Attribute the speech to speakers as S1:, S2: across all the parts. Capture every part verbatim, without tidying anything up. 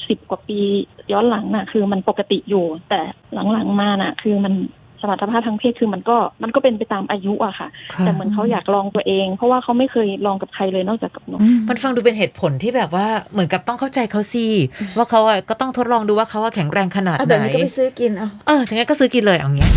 S1: สิบกว่าปีย้อนหลังน่ะคือมันปกติอยู่แต่หลังๆมาน่ะคือมันสมรรถภาพทางเพศคือมันก็มันก็เป็นไปตามอายุอะค่ะแต่เหมือนเขาอยากลองตัวเองเพราะว่าเขาไม่เคยลองกับใครเลยนอกจากกับหนู
S2: มันฟังดูเป็นเหตุผลที่แบบว่าเหมือนกับต้องเข้าใจเขาสิว่าเขาอะก็ต้องทดลองดูว่าเขาแข็งแรงขนาดไหน
S3: แบบนี้ก็ไปซื้อกินเอา
S2: เออถึงงั้นก็ซื้อกินเลยเอาเงี้ย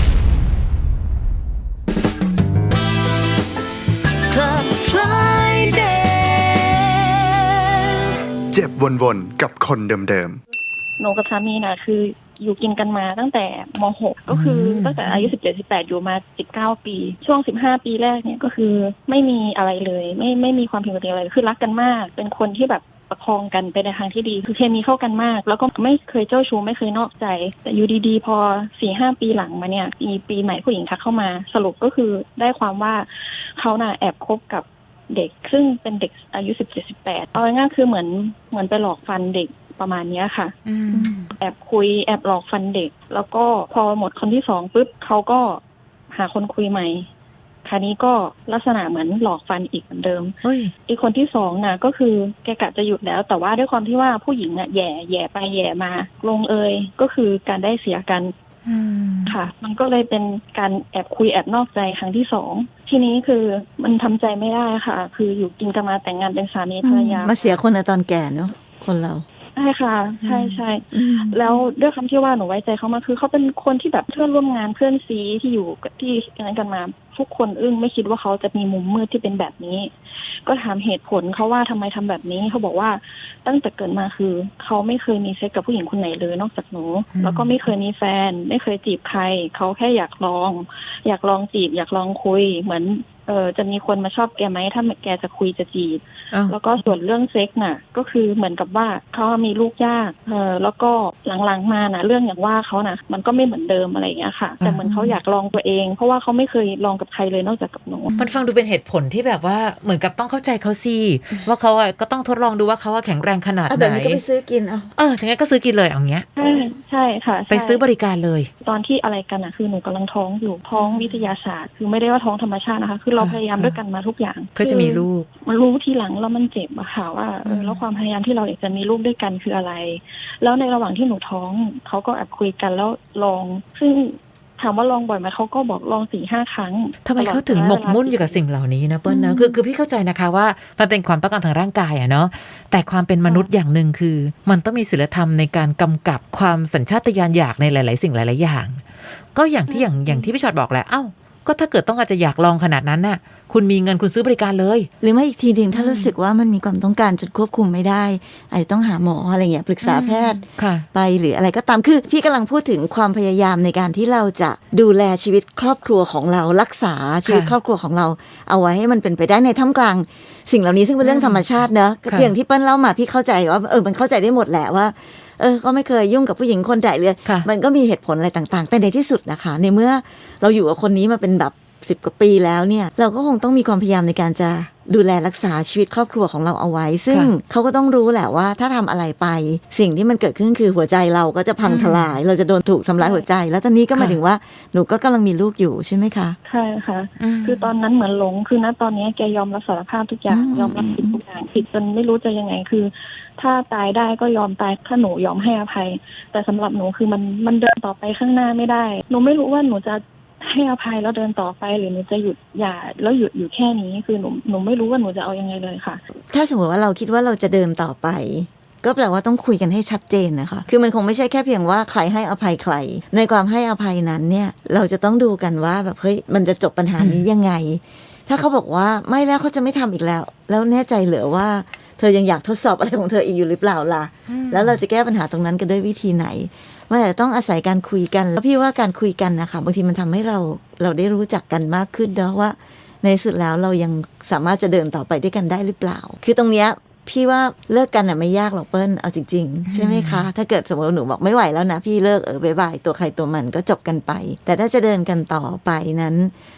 S4: เจ็บวนๆกับคนเดิม
S1: ๆหนูกับสามีน่ะคืออยู่กินกันมาตั้งแต่ม.หก ก็คือตั้งแต่อายุสิบเจ็ด สิบแปดอยู่มาสิบเก้าปีช่วงสิบห้าปีแรกเนี่ยก็คือไม่มีอะไรเลยไม่ไม่มีความผิดปกติอะไรคือรักกันมากเป็นคนที่แบบประคองกันไปในทางที่ดีคือเคมีเข้ากันมากแล้วก็ไม่เคยเจ้าชู้ไม่เคยนอกใจแต่อยู่ดีๆพอ สี่ห้า ปีหลังมาเนี่ยมีปีใหม่ผู้หญิงทักเข้ามาสรุปก็คือได้ความว่าเขาน่ะแอบคบกับเด็กซึ่งเป็นเด็กอายุสิบเจ็ด สิบแปดเอาง่ายๆคือเหมือนเหมือนไปหลอกฟันเด็กประมาณนี้ค่ะแอบคุยแอบหลอกฟันเด็กแล้วก็พอหมดคนที่สองปุ๊บเขาก็หาคนคุยใหม่คราวนี้ก็ลักษณะเหมือนหลอกฟันอีกเหมือนเดิมอีกคนที่สองน่ะก็คือแกกะจะหยุดแล้วแต่ว่าด้วยความที่ว่าผู้หญิงน่ะแย่แย่ไปแย่มาลงเอยก็คือการได้เสียกันค่ะมันก็เลยเป็นการแอบคุยแอบนอกใจครั้งที่สองทีนี้คือมันทำใจไม่ได้ค่ะคืออยู่กินกันมาแต่งงานเป็นสามีภรรยา
S3: มาเสียคนในตอนแก่เนาะคนเรา
S1: ใช่ค่ะใช่ใช่แล้วด้วยคำที่ว่าหนูไว้ใจเขามาคือเขาเป็นคนที่แบบเพื่อนร่วมงานเพื่อนซีที่อยู่ที่นั้นกันมาทุกคนอึ้งไม่คิดว่าเขาจะมีมุมมืดที่เป็นแบบนี้ก็ถามเหตุผลเขาว่าทำไมทำแบบนี้เขาบอกว่าตั้งแต่เกิดมาคือเขาไม่เคยมีเซ็กกับผู้หญิงคนไหนเลยนอกจากหนูแล้วก็ไม่เคยมีแฟนไม่เคยจีบใครเขาแค่อยากลองอยากลองจีบอยากลองคุยเหมือนเออจะมีคนมาชอบแกไหมถ้าแกจะคุยจะจีบแล้วก็ส่วนเรื่องเซ็กน่ะก็คือเหมือนกับว่าเขามีลูกยากเออแล้วก็หลังๆมาน่ะเรื่องอย่างว่าเขาน่ะมันก็ไม่เหมือนเดิมอะไรอย่างเงี้ยค่ะแต่เหมือนเขาอยากลองตัวเองเพราะว่าเขาไม่เคยลองกับใครเลยนอกจากกับหนู
S2: มันฟังดูเป็นเหตุผลที่แบบว่าเหมือนกับต้องเข้าใจเขาสิว่าเขาอะก็ต้องทดลองดูว่าเขาแข็งแรงขนาดไหน
S3: แบบนี้ก็ไปซื้อกินเอา
S2: เออถึงงั้นก็ซื้อกินเลยเอาเงี้ย
S1: ใช่ใช่ค่ะ
S2: ไปซื้อบริการเลย
S1: ตอนที่อะไรกันอะคือหนูกำลังท้องอยู่ท้องวิทยาศาสตร์คือไม่ได้ว่าท้องธรรมชาตินะคะคือเราพยายามด้วยกันมาทุกอย่าง
S2: เพื่อจะมีลูก
S1: มันรู้ทีหลังแล้วมันเจ็บอะค่ะว่าเออแล้วความพยายามที่เราอยากจะมีลูกด้วยกันคืออะไรแล้วในระหว่างที่หนูท้องเขาก็แอบคุยกันแล้วลองซึ่งถามว่าลองบ่อยไหมเขาก็บอกลองสี่ห้าครั้ง
S2: ทำไมเขาถึงหมกมุ่นอยู่กับสิ่งเหล่านี้นะเปิ้ลนะคือคือพี่เข้าใจนะคะว่ามันเป็นความต้องการทางร่างกายอะเนาะแต่ความเป็นมนุษย์อย่างหนึ่งคือมันต้องมีศีลธรรมในการกำกับความสัญชาตญาณอยากในหลายๆสิ่งหลายๆอย่างก็อย่างที่อย่างอย่างที่พี่ชอตบอกแหละเอ้าก็ถ้าเกิดต้องอาจจะอยากลองขนาดนั้นน่ะคุณมีเงินคุณซื้อบริการเลย
S3: หรือไม่อีกทีนึงถ้ารู้สึกว่ามันมีความต้องการจนควบคุมไม่ได้อาจจะต้องหาหมออะไรเงี้ยปรึกษาแพทย์ไปหรืออะไรก็ตามคือพี่กำลังพูดถึงความพยายามในการที่เราจะดูแลชีวิตครอบครัวของเรารักษาชีวิตครอบครัวของเราเอาไว้ให้มันเป็นไปได้ในท่ามกลางสิ่งเหล่านี้ซึ่งเป็นเรื่องธรรมชาติเนอะอย่างที่เปิ้ลเล่ามาพี่เข้าใจว่าเออมันเข้าใจได้หมดแหละว่าเออก็ไม่เคยยุ่งกับผู้หญิงคนใดเลยมันก็มีเหตุผลอะไรต่างๆแต่ในที่สุดนะคะในเมื่อเราอยู่กับคนนี้มาเป็นแบบสิบกว่าปีแล้วเนี่ยเราก็คงต้องมีความพยายามในการจะดูแลรักษาชีวิตครอบครัวของเราเอาไว้ซึ่งเขาก็ต้องรู้แหละว่าถ้าทำอะไรไปสิ่งที่มันเกิดขึ้นคือหัวใจเราก็จะพังทลายเราจะโดนถูกทำร้ายหัวใจแล้วตอนนี้ก็หมายถึงว่าหนูก็กำลังมีลูกอยู่ใช่ไหมคะ
S1: ใช่ค่ะคือตอนนั้นเหมือนหลงคือณตอนนี้แกยอมรับสารภาพทุกอย่างยอมรับผิดทุกอย่างผิดจนไม่รู้จะยังไงคือถ้าตายได้ก็ยอมตายถ้าหนูยอมให้อภัยแต่สำหรับหนูคือมันมันเดินต่อไปข้างหน้าไม่ได้หนูไม่รู้ว่าหนูจะให้อภัยแล้วเดินต่อไปหรือหนูจะหยุดหย่าแล้วหยุดอยู่แค่นี้คือหนูหนูไม่รู้ว่าหนูจะเอายังไงเลยค่ะ
S3: ถ้าสมมติว่าเราคิดว่าเราจะเดินต่อไปก็แปลว่าต้องคุยกันให้ชัดเจนนะคะคือมันคงไม่ใช่แค่เพียงว่าใครให้อภัยใครในความให้อภัยนั้นเนี่ยเราจะต้องดูกันว่าแบบเฮ้ยมันจะจบปัญหานี้ยังไงถ้าเขาบอกว่าไม่แล้วเขาจะไม่ทำอีกแล้วแล้วแน่ใจเหรอว่าเธอยังอยากทดสอบอะไรของเธออีกอยู่หรือเปล่าล่ะแล้วเราจะแก้ปัญหาตรงนั้นกันด้วยวิธีไหนมันอาจจะต้องอาศัยการคุยกันแล้วพี่ว่าการคุยกันนะคะบางทีมันทำให้เราเราได้รู้จักกันมากขึ้นเนาะว่าในสุดแล้วเรายังสามารถจะเดินต่อไปด้วยกันได้หรือเปล่าคือตรงเนี้ยพี่ว่าเลิกกันอ่ะไม่ยากหรอกเปิ้ลเอาจริงๆใช่ไหมคะถ้าเกิดสมมติหนูบอกไม่ไหวแล้วนะพี่เลิกเออบายบายตัวใครตัวมันก็จบกันไปแต่ถ้าจะเดินกันต่อไปนั้น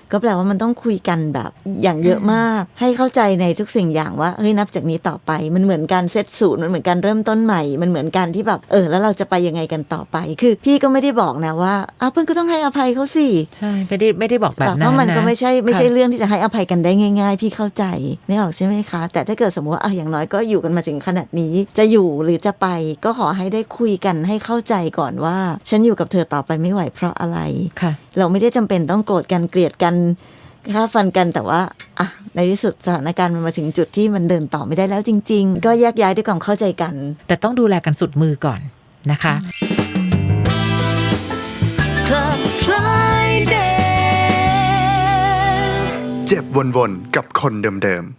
S3: ก็แปลว่ามันต้องคุยกันแบบอย่างเยอะมากให้เข้าใจในทุกสิ่งอย่างว่าเฮ้ยนับจากนี้ต่อไปมันเหมือนการเซตศูนย์มันเหมือนการเริ่มต้นใหม่มันเหมือนการที่แบบเออแล้วเราจะไปยังไงกันต่อไปคือพี่ก็ไม่ได้บอกนะว่าอ้าวเพื่อนก็ต้องให้อภัยเขาสิ
S2: ใช่ไม่ได้ไม่ได้บอกแบบนั้นนะ
S3: เพราะมันก็ไม่ใช่ไม่ใช่เรื่องที่จะให้อภัยกันได้ง่ายๆพี่เข้าใจไม่ออกใช่ไหมคะแต่ถ้าเกิดสมมติว่าอ่ะอย่างน้อยก็อยู่กันมาถึงขนาดนี้จะอยู่หรือจะไปก็ขอให้ได้คุยกันให้เข้าใจก่อนว่าฉันอยู่กับเธอต่อไปไม่ไหวเพราะอะไรเราไม่ได้จำเป็นต้องโกรธกันเกลียดกันฆ่าฟันกันแต่ว่าอ่ะในที่สุดสถานการณ์มันมาถึงจุดที่มันเดินต่อไม่ได้แล้วจริงๆก็แยกย้ายด้วยความเข้าใจกัน
S2: แต่ต้องดูแลกันสุดมือก่อนนะคะ
S3: Club Friday
S4: เจ็บวนๆกับคนเดิมๆ